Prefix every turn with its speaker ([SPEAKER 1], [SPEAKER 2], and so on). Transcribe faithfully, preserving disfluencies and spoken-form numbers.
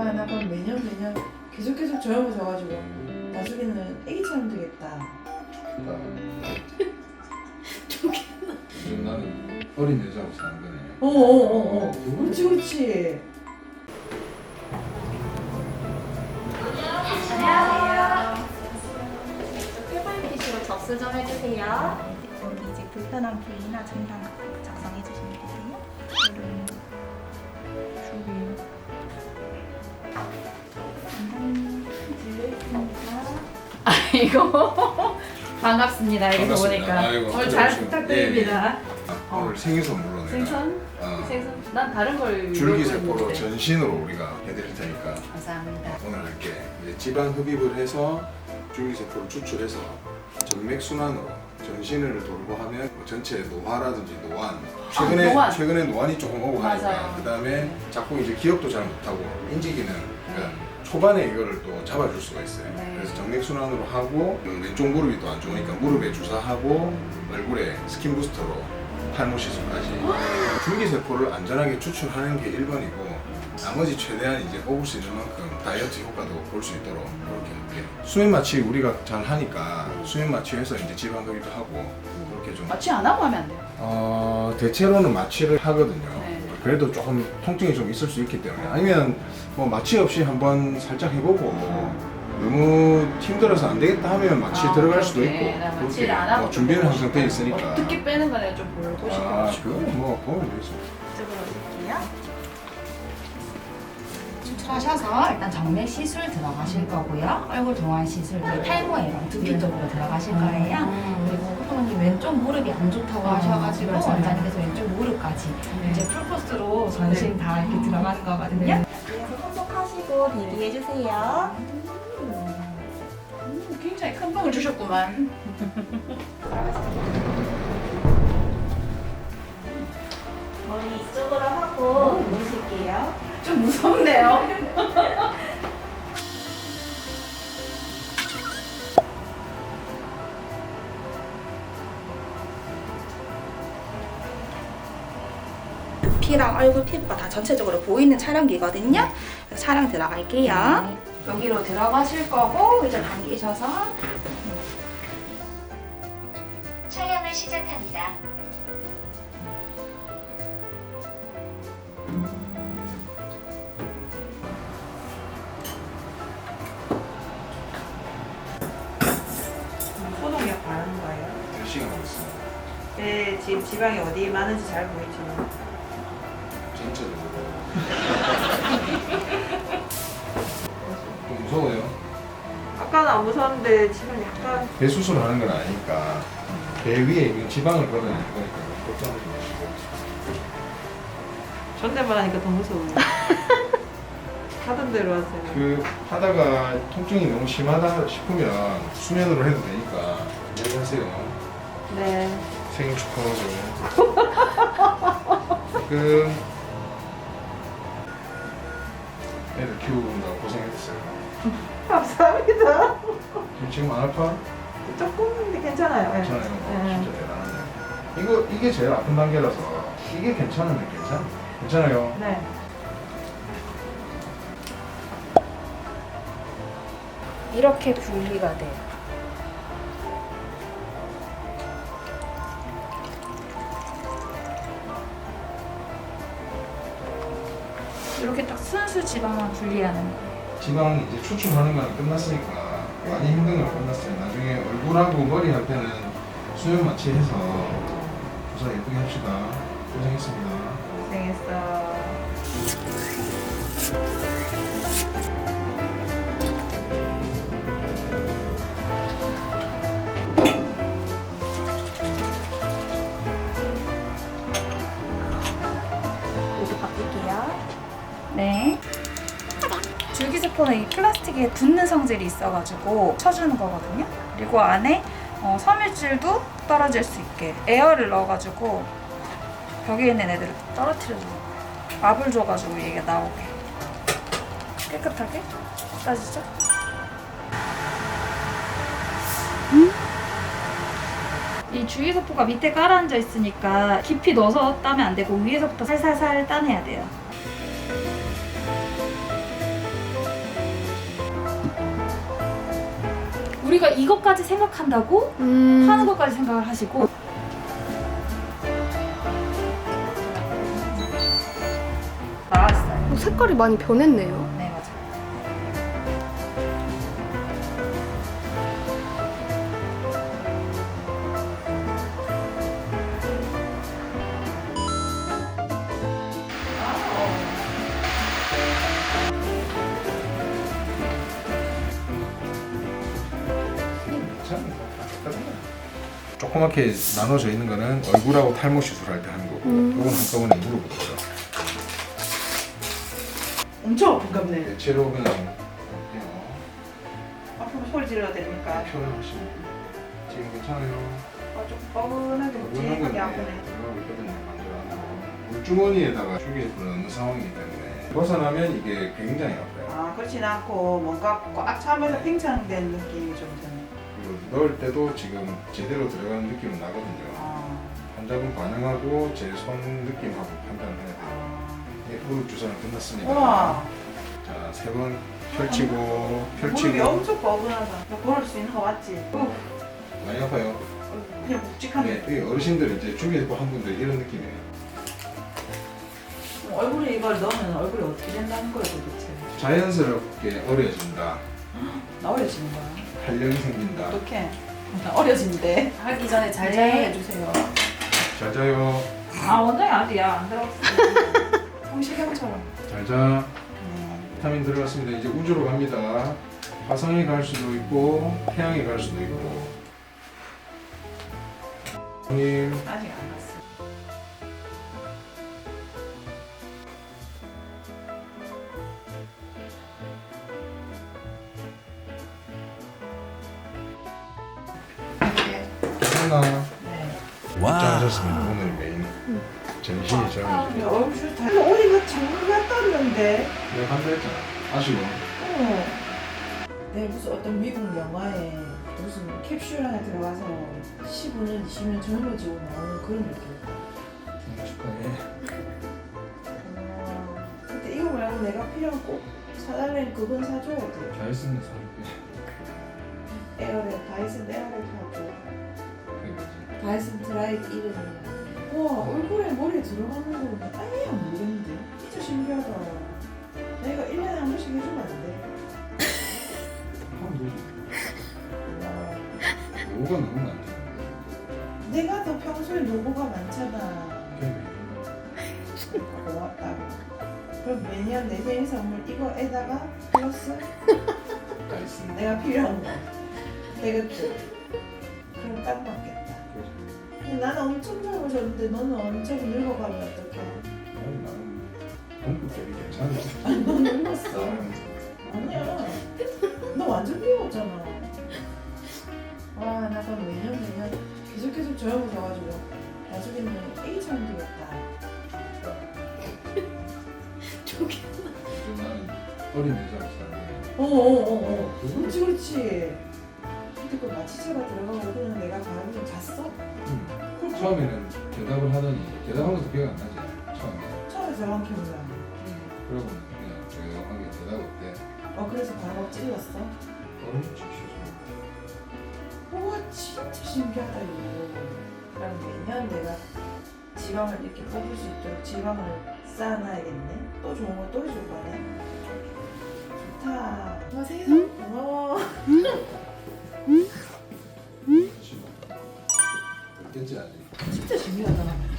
[SPEAKER 1] 아, 나 그럼 매년 매년 계속 계속 젊어져가지고 나중에는 애기처럼 되겠다.
[SPEAKER 2] 좋겠다.
[SPEAKER 3] 지금 나는 어린 여자하고 사는 거네.
[SPEAKER 1] 어어어어. 어, 어. 그렇지 그렇지.
[SPEAKER 2] 안녕하세요. 큐브이피씨로 접수 좀 해주세요.
[SPEAKER 4] 여기 이제 불편한 부위나 증상 작성해 주시면 되세요. 이런 주기 상당히 들려있습니다.
[SPEAKER 2] 아이고 반갑습니다. 이렇게
[SPEAKER 3] 반갑습니다.
[SPEAKER 2] 보니까
[SPEAKER 3] 아이고,
[SPEAKER 2] 오늘 잘
[SPEAKER 3] 안녕하세요.
[SPEAKER 2] 부탁드립니다.
[SPEAKER 3] 아, 오늘 생일 선물로 내가
[SPEAKER 2] 생선?
[SPEAKER 3] 어,
[SPEAKER 2] 생선? 난 다른 걸
[SPEAKER 3] 줄기세포로
[SPEAKER 2] 요구했는데.
[SPEAKER 3] 전신으로 우리가 해드릴 테니까
[SPEAKER 2] 감사합니다.
[SPEAKER 3] 오늘 할게. 이제 지방 흡입을 해서 줄기세포를 추출해서 정맥순환으로 전신을 돌고 하면 뭐 전체 노화라든지 노안 최근에
[SPEAKER 2] 아, 노안.
[SPEAKER 3] 최근에 노안이 조금 오고
[SPEAKER 2] 맞아요.
[SPEAKER 3] 하니까 그 다음에 자꾸 이제 기억도 잘 못하고 인지기능 그러니까 초반에 이거를 또 잡아줄 수가 있어요.
[SPEAKER 2] 네.
[SPEAKER 3] 그래서 정맥순환으로 하고 왼쪽 무릎이 또 안 좋으니까 무릎에 주사하고 얼굴에 스킨 부스터로 탈모 시술까지 줄기세포를 안전하게 추출하는 게 일 번이고 나머지 최대한 이제 뽑을 수 있는 만큼 다이어트 효과도 볼 수 있도록 그렇게 할게요. 수면 마취 우리가 잘 하니까 수면 마취해서 이제 지방 흡입도 하고 그렇게 좀
[SPEAKER 2] 마취 안 하고 하면 안 돼요?
[SPEAKER 3] 어, 대체로는 마취를 하거든요.
[SPEAKER 2] 네.
[SPEAKER 3] 그래도 조금 통증이 좀 있을 수 있기 때문에 아니면 뭐 마취 없이 한번 살짝 해보고 너무 힘들어서 안 되겠다 하면 마취
[SPEAKER 2] 아,
[SPEAKER 3] 들어갈 수도
[SPEAKER 2] 그렇게.
[SPEAKER 3] 있고
[SPEAKER 2] 나
[SPEAKER 3] 그렇게
[SPEAKER 2] 마취를 안 하고
[SPEAKER 3] 뭐 준비는
[SPEAKER 2] 보고
[SPEAKER 3] 항상 돼
[SPEAKER 2] 싶어요.
[SPEAKER 3] 있으니까
[SPEAKER 2] 어떻게 빼는 거는 좀 보고 싶어요.
[SPEAKER 3] 아 그건 뭐 보면 되죠.
[SPEAKER 4] 이쪽으로 오실게요.
[SPEAKER 5] 추출하셔서 일단 정맥 시술 들어가실 거고요. 얼굴 동안 시술, 그리고 탈모 예방 두피 쪽으로 들어가실 거예요. 그리고 호동님 왼쪽 무릎이 안 좋다고 하셔가지고 원장님께서 왼쪽 무릎까지 이제 풀코스로 전신 다 이렇게 들어가는 거거든요.
[SPEAKER 4] 그래서 손목하시고 대기해주세요.
[SPEAKER 2] 음, 굉장히 큰 병을 주셨구만.
[SPEAKER 4] 머리 이쪽으로 하고 누우실게요.
[SPEAKER 2] 좀 무섭네요.
[SPEAKER 4] 두피랑 얼굴 피부가 다 전체적으로 보이는 촬영기거든요. 그래서 촬영 들어갈게요. 여기로 들어가실 거고 이제 당기셔서
[SPEAKER 6] 촬영을 시작합니다.
[SPEAKER 1] 소독약 바르는 거예요?
[SPEAKER 3] 몇 시간 하고 있습니다.
[SPEAKER 1] 네, 지금 지방이 어디 많은지 잘 보이죠.
[SPEAKER 3] 전체적으로 좀 무서워요.
[SPEAKER 1] 아까는 안 무서웠는데 지금 약간
[SPEAKER 3] 배 수술하는 건 아니니까 배 위에 있는 지방을 걸어내는 거니까 걱정하지 마시고
[SPEAKER 1] 존댓말 하니까 더 무서워요. 하던 대로 하세요.
[SPEAKER 3] 그 하다가 통증이 너무 심하다 싶으면 수면으로 해도 되니까 안녕하세요.
[SPEAKER 1] 네.
[SPEAKER 3] 생일 축하하고 그 애들 키우느라고 고생했어요.
[SPEAKER 1] 감사합니다.
[SPEAKER 3] 지금 안 아파?
[SPEAKER 1] 조금인데 괜찮아요. 네.
[SPEAKER 3] 괜찮아요.
[SPEAKER 1] 네.
[SPEAKER 3] 진짜 대단하네요. 이거 이게 제일 아픈 단계라서 이게 괜찮은데 괜찮? 괜찮아요.
[SPEAKER 1] 네.
[SPEAKER 4] 이렇게 분리가 돼요. 이렇게 딱 순수 지방만 분리하는 거예요.
[SPEAKER 3] 지방 이제 추출하는 거는 끝났으니까 많이 힘든 건 끝났어요. 나중에 얼굴하고 머리 할 때는 수면 마취해서 조사 예쁘게 합시다. 고생했습니다.
[SPEAKER 1] 고생했어.
[SPEAKER 4] 모두 바꿀게요. 네. 줄기세포는 이 플라스틱에 붙는 성질이 있어가지고 쳐주는 거거든요. 그리고 안에 어, 섬유질도 떨어질 수 있게 에어를 넣어가지고 벽에 있는 애들을 떨어뜨려줘요. 압을 줘가지고 얘가 나오게 깨끗하게 따지죠? 이 줄기세포가 밑에 깔아앉아 있으니까 깊이 넣어서 따면 안 되고 위에서부터 살살살 따내야 돼요. 우리가 이것까지 생각한다고
[SPEAKER 7] 음.
[SPEAKER 4] 하는 것까지 생각을 하시고 나왔어요.
[SPEAKER 7] 어, 색깔이 많이 변했네요.
[SPEAKER 4] 네, 맞아요.
[SPEAKER 3] 조그맣게 나눠져 있는 거는 얼굴하고 탈모 시술할 때 하는 거고
[SPEAKER 7] 음.
[SPEAKER 3] 이건 한꺼번에 무릎으로 들어.
[SPEAKER 1] 엄청 아픈갑네.
[SPEAKER 3] 대체로 그냥 할게요.
[SPEAKER 1] 아프면 소리 지르야 되니까.
[SPEAKER 3] 표현을 하시면 돼요. 지금 괜찮아요?
[SPEAKER 1] 아, 좀 뻐근하게 묵직하게 아프네.
[SPEAKER 3] 물주머니에다가 휴게를 넣는 상황이기 때문에 벗어나면 이게 굉장히 아파요.
[SPEAKER 1] 아, 그렇진 않고 뭔가 꽉 차면서 팽창된 느낌이 좀 드네.
[SPEAKER 3] 그리고 넣을 때도 지금 제대로 들어가는 느낌은 나거든요.
[SPEAKER 1] 아,
[SPEAKER 3] 환자분 반응하고 제 손 느낌하고 판단을 해야 돼요.
[SPEAKER 1] 아.
[SPEAKER 3] 네, 무릎 주사는 끝났습니다.
[SPEAKER 1] 우와,
[SPEAKER 3] 자, 세 번 펼치고
[SPEAKER 1] 무릎이
[SPEAKER 3] 펼치고
[SPEAKER 1] 엄청 뻐근하다. 나 걸을 수 있는 거 맞지? 어,
[SPEAKER 3] 많이 아파요.
[SPEAKER 1] 그냥 묵직하게.
[SPEAKER 3] 네, 이 어르신들 이제 주위에서 한 분들 이런 느낌이에요.
[SPEAKER 1] 얼굴에 이걸 넣으면 얼굴이 어떻게 된다는 거예요, 도대체?
[SPEAKER 3] 자연스럽게 어려진다.
[SPEAKER 1] 나 어려지는 거야.
[SPEAKER 3] 탄력이 생긴다.
[SPEAKER 1] 어떡해? 나 어려진대. 하기 전에 잘
[SPEAKER 4] 네.
[SPEAKER 1] 자연해 주세요.
[SPEAKER 3] 잘 자요.
[SPEAKER 4] 아, 원장이 아직 약안 들어갔어요.
[SPEAKER 1] 성시경처럼.
[SPEAKER 3] 잘 자.
[SPEAKER 1] 네.
[SPEAKER 3] 비타민 들어갔습니다. 이제 우주로 갑니다. 화성에 갈 수도 있고 태양에 갈 수도 있고. 형님
[SPEAKER 1] 아직 안 갔어.
[SPEAKER 3] 괜찮나?
[SPEAKER 1] 네.
[SPEAKER 3] 입장하셨습니다. 오늘 메인 전신이
[SPEAKER 1] 아,
[SPEAKER 3] 저는
[SPEAKER 1] 우리 얼굴 다. 어디가 장르 같다는데?
[SPEAKER 3] 내가 한다 했잖아. 아쉬워.
[SPEAKER 1] 어. 내 무슨 어떤 미국 영화에 무슨 캡슐 안에 들어가서 십오 년, 이십 년 젊어지고 나오는 그런 느낌이다.
[SPEAKER 3] 생일 축하해.
[SPEAKER 1] 어, 근데 이거 말고 내가 필요한 꼭 사달라는 그건 사줘야 돼.
[SPEAKER 3] 잘 쓰는 사람이
[SPEAKER 1] 에어랩, 다이슨 에어랩 사줘.
[SPEAKER 3] 그게 뭐지?
[SPEAKER 1] 다이슨 드라이기 이름이야. 와, 얼굴에 머리 들어가는 거는 아예 안 모르겠는데? 진짜 신기하다. 내가 일 년에 한 번씩 해주면 안 돼?
[SPEAKER 3] 하면 되지.
[SPEAKER 1] 와,
[SPEAKER 3] 노고가 너무 많잖아.
[SPEAKER 1] 내가 더 평소에 노고가 많잖아.
[SPEAKER 3] 그게
[SPEAKER 1] 고맙다고. 그럼 매년 내 생일 선물 이거에다가 플러스
[SPEAKER 3] 다 있습니다.
[SPEAKER 1] 내가 필요한 거. 태극기. 그럼 딱 맞겠다. 근데 나는 엄청 젊어졌는데 너는 엄청 늙어가면 어떡해?
[SPEAKER 3] 나는 나는 동급들이 괜찮아.
[SPEAKER 1] 아니 너 늙었어. 아니야. 너 완전 비웠잖아. 와, 나 그럼 매년 매년 계속 계속 젊어져가지고 나중에는 애기처럼 되겠다.
[SPEAKER 7] 저기.
[SPEAKER 3] 나는 어린 여자로 살고.
[SPEAKER 1] 어어어어. 그렇지 그렇지. 근데 그 마취제가 들어가고 그냥 내가 가면 잤어?
[SPEAKER 3] 음. 처음에는 대답을 하더니 대답한 것도 기억 안 나지. 처음에.
[SPEAKER 1] 처음에 저랑 기억나.
[SPEAKER 3] 그러고 그냥 조용하게 대답 없대.
[SPEAKER 1] 어, 그래서 바로 찔렀어?
[SPEAKER 3] 어른 주시죠.
[SPEAKER 1] 우와, 진짜 신기하다 이거. 그럼 매년 내가 지방을 이렇게 뽑을 수 있도록 지방을 쌓아놔야겠네. 또 좋은 거 또 해줄 거네. 좋다. 와, 세상 고마워.
[SPEAKER 3] 됐지 아직.
[SPEAKER 1] 진짜 신기하다.